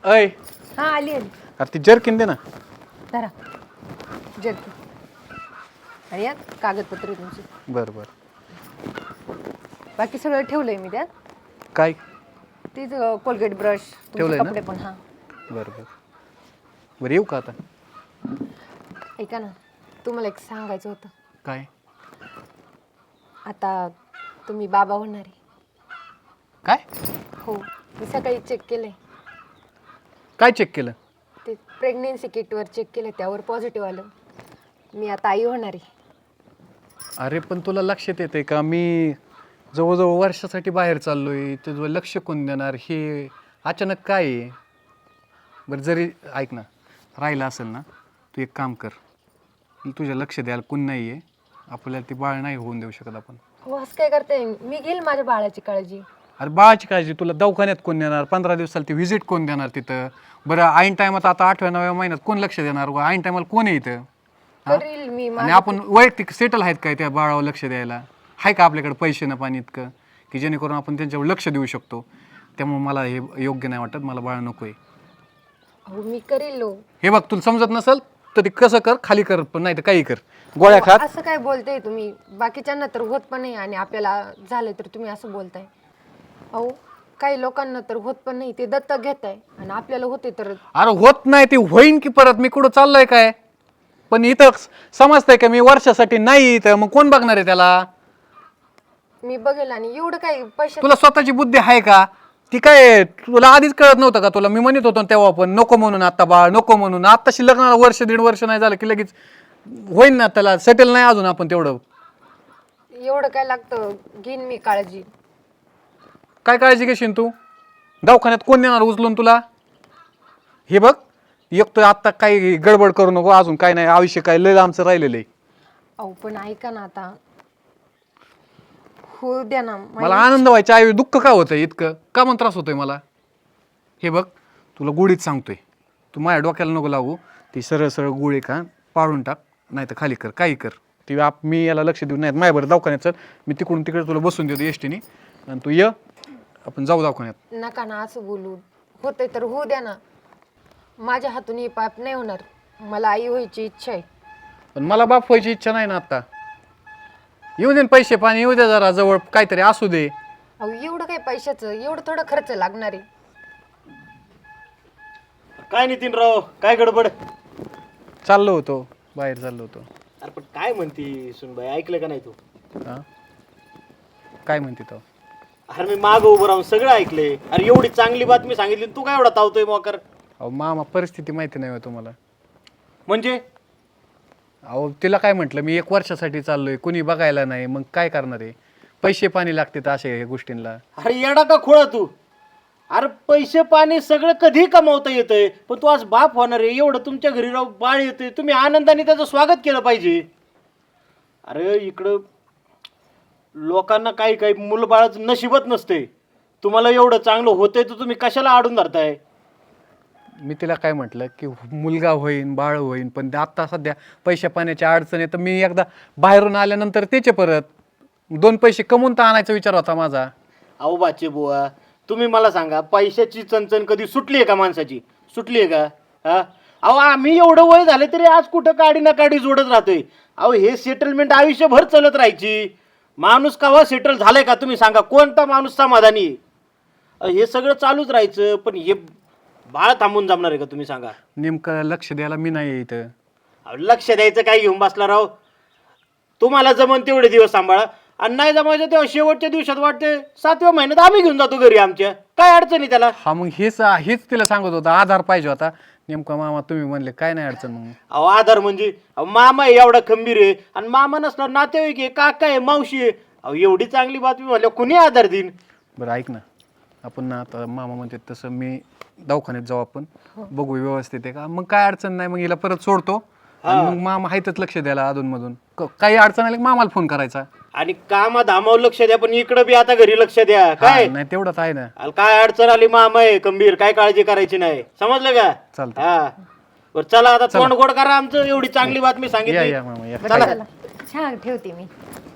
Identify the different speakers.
Speaker 1: अय
Speaker 2: हा आली आली.
Speaker 1: अरे ती जर्किन दे ना.
Speaker 2: धरा जर्की आणि यात कागदपत्र आहे तुमची.
Speaker 1: बरं बरं.
Speaker 2: बाकी सगळं ठेवलंय मी त्यात.
Speaker 1: काय
Speaker 2: तीच कोलगेट ब्रश तुमचे
Speaker 1: ठेवलंय ना?
Speaker 2: कपडे पण. हा
Speaker 1: बरं बरं. बरं येऊ का आता?
Speaker 2: ऐका ना, तुम्हाला एक सांगायचं होतं.
Speaker 1: काय
Speaker 2: आता तुम्ही बाबा होणार आहे.
Speaker 1: काय
Speaker 2: हो, मी सकाळी चेक केलंय.
Speaker 1: काय चेक केलं?
Speaker 2: ते प्रेग्नेन्सी किटवर चेक केलं, त्यावर पॉझिटिव्ह आलं. मी आता आई होणार आहे.
Speaker 1: अरे पण तुला लक्षात येते का मी जवळजवळ वर्षासाठी बाहेर चाललोय, तुझं लक्ष कोण देणार? हे अचानक काय आहे? बरं जरी ऐक ना, राहिलं असेल ना, तू एक काम कर, तुझ्या लक्ष द्यायला कोण नाही आहे, आपल्याला ती बाळ नाही होऊन देऊ शकत आपण.
Speaker 2: हो, असं काय करते, मी घेईल माझ्या बाळाची काळजी.
Speaker 1: अरे बाळाची काळजी तुला दवाखान्यात कोण देणार? 15 दिवसाला ती व्हिजिट कोण देणार तिथं? बरं ऐन टायमात आता 8व्या-9व्या महिन्यात कोण लक्ष देणार? ऐन टायमाला कोण आहे इथं?
Speaker 2: करील मी.
Speaker 1: आणि आपण वैयक्तिक सेटल आहेत काय त्या बाळावर लक्ष द्यायला? आहे का आपल्याकडे पैसे ना पाणी इतकं की जेणेकरून आपण त्यांच्यावर लक्ष देऊ शकतो? त्यामुळे मला हे योग्य नाही वाटत, मला बाळ नको आहे.
Speaker 2: हो, मी करील.
Speaker 1: हे बघ तुला समजत नसेल तर ते कसं कर, खाली कर, पण नाही तर काही कर, गोळ्या खात.
Speaker 2: असं काय बोलताय तुम्ही? बाकीच्यांना तर होत पण नाही आणि आपल्याला झालं तर तुम्ही असं बोलताय. अहो, काही लोकांना तर होत पण नाही, ते दत्तक घेताय, आणि आपल्याला होते तर.
Speaker 1: अरे होत नाही ते होईन की परत, मी कुठं चाललोय काय? पण इथं समजतंय का मी वर्षासाठी नाही, तर मग कोण बघणार आहे त्याला?
Speaker 2: मी बघेल. आणि एवढं काय पैसे?
Speaker 1: तुला स्वतःची बुद्धी आहे का? ती काय तुला आधीच कळत नव्हतं का? तुला मी म्हणत होतो तेव्हा पण नको म्हणून, आता बाळ नको म्हणून. आत्ताशी लग्नाला वर्ष दीड वर्ष नाही झालं की लगेच होईन ना, त्याला सेटल नाही अजून आपण तेवढं.
Speaker 2: एवढं काय लागतं? घेईन मी काळजी.
Speaker 1: काय काळजी घेशील तू? दवाखान्यात कोण देणार उचलून तुला? हे बघ, एक तर आत्ता काही गडबड करू नको, अजून काय नाही, आयुष्य काय लय आमचं राहिलेलं आहे.
Speaker 2: अहो पण ऐका ना, आता हो द्या ना.
Speaker 1: मला आनंद व्हायचा, आई दुःख का होतंय इतकं? का मग त्रास होतोय मला? हे बघ तुला गोळीच सांगतोय, तू माझ्या डोक्याला नको लागू. ती सरळ सरळ गोळी का पाडून टाक, नाही तर खाली कर, काही कर. ती मी याला लक्ष देऊ नाही. माझ्या बरं दवाखान्यात चल, मी तिकडून तिकडे तुला बसून देतो एसटीने, आणि तू ये, आपण जाऊ दवाखान्यात.
Speaker 2: नका ना असं बोलू. होतंय तर होऊ द्या ना. माझ्या हातून हे पाप नाही होणार. मला आई व्हायची इच्छा आहे.
Speaker 1: पण मला बाप व्हायची इच्छा नाही ना आता. येऊ दे पैसे पाणी, येऊ दे जरा जवळ, काहीतरी असू दे.
Speaker 2: अहो एवढं काय पैशाचं, एवढं थोडं खर्च लागणार आहे.
Speaker 3: काय नितीनराव, काय गडबड?
Speaker 1: चाललो होतो बाहेर, चाललो होतो.
Speaker 3: अरे पण काय म्हणती सुनबाई, ऐकलं का नाही तू?
Speaker 1: हा काय म्हणते तो?
Speaker 3: अरे मी मागं उभं राहून सगळं ऐकलंय. अरे एवढी चांगली बातमी सांगितली, तू काय एवढा तावतोय मोकर?
Speaker 1: अहो मामा, परिस्थिती माहिती नाही हो तुम्हाला.
Speaker 3: म्हणजे
Speaker 1: अहो तिला काय म्हटलं मी, 1 वर्षासाठी चाललोय, कुणी बघायला नाही, मग काय करणार आहे? पैसे पाणी लागते तर अशा ह्या गोष्टींना.
Speaker 3: अरे येडा का खोळा तू? अरे पैसे पाणी सगळं कधी कमावता येतंय, पण तू आज बाप होणार आहे, एवढं तुमच्या घरी राहू बाळ येतंय, तुम्ही आनंदाने त्याचं स्वागत केलं पाहिजे. अरे इकडं लोकांना काही काही मुलबाळाचं नशिबत नसते. तुम्हाला एवढं चांगलं होतंय तर तुम्ही कशाला आडून धरताय?
Speaker 1: मी तिला काय म्हटलं की मुलगा होईन, बाळ होईन, पण आता सध्या पैशा पाण्याची अडचण आहे, तर मी एकदा बाहेरून आल्यानंतर त्याचे परत 2 पैसे कमवून तर आणायचा विचार होता माझा.
Speaker 3: अहो बाचे बुवा, तुम्ही मला सांगा, पैशाची चणचण कधी सुटली आहे का माणसाची? सुटली आहे का? हा, अहो आम्ही एवढं वय झाले तरी आज कुठं काडी ना काडी जोडत राहतोय. अहो हे सेटलमेंट आयुष्यभर चालत राहायची. माणूस केव्हा सेटल झालाय का तुम्ही सांगा? कोणता माणूस समाधानी? हे सगळं चालूच राहायचं, पण हे बाळ थांबून जमणार आहे का तुम्ही सांगा?
Speaker 1: नेमकं लक्ष द्यायला मी नाही इथं.
Speaker 3: अहो लक्ष द्यायचं काय घेऊन बसला राव? तुम्हाला जमन तेवढे दिवस सांभाळा, आणि नाही जमायचं तेव्हा शेवटच्या दिवसात वाटते 7व्या महिन्यात आम्ही घेऊन जातो घरी आमच्या. काय अडचण आहे त्याला?
Speaker 1: हा मग हेच तिला सांगत होता, आधार पाहिजे होता. नेमका मामा तुम्ही म्हणले काय नाही अडचण. मग
Speaker 3: अहो आधार म्हणजे अहो मामा आहे एवढा खंबीर आहे, आणि मामा नसला नातेवाईक आहे, काका आहे, मावशी आहे. अहो एवढी चांगली बातमी म्हणल्या कुणी आधार देईन?
Speaker 1: बरं ऐक ना, आपण ना आता मामा म्हणते तसं मी दवाखान्यात जाऊ, आपण बघू व्यवस्थित आहे का, मग काय अडचण नाही, मग हिला परत सोडतो, आणि मग मामा आहेतच लक्ष द्यायला अधूनमधून. काही अडचण आली की मामाला फोन करायचा.
Speaker 3: आणि कामा धामावर लक्ष द्या, पण इकडं बी आता घरी लक्ष द्या. काय
Speaker 1: नाही तेवढंच आहे ना.
Speaker 3: अरे काय अडचण आली, मामा आहे खंबीर, काय काळजी करायची नाही, समजलं का?
Speaker 1: चालतं.
Speaker 3: हा बरं चला आता तोंड गोड करा आमचं, एवढी चांगली बातमी
Speaker 1: या
Speaker 3: सांगितली.
Speaker 1: या मामा या.
Speaker 3: चला.
Speaker 2: चला, छान ठेवते मी.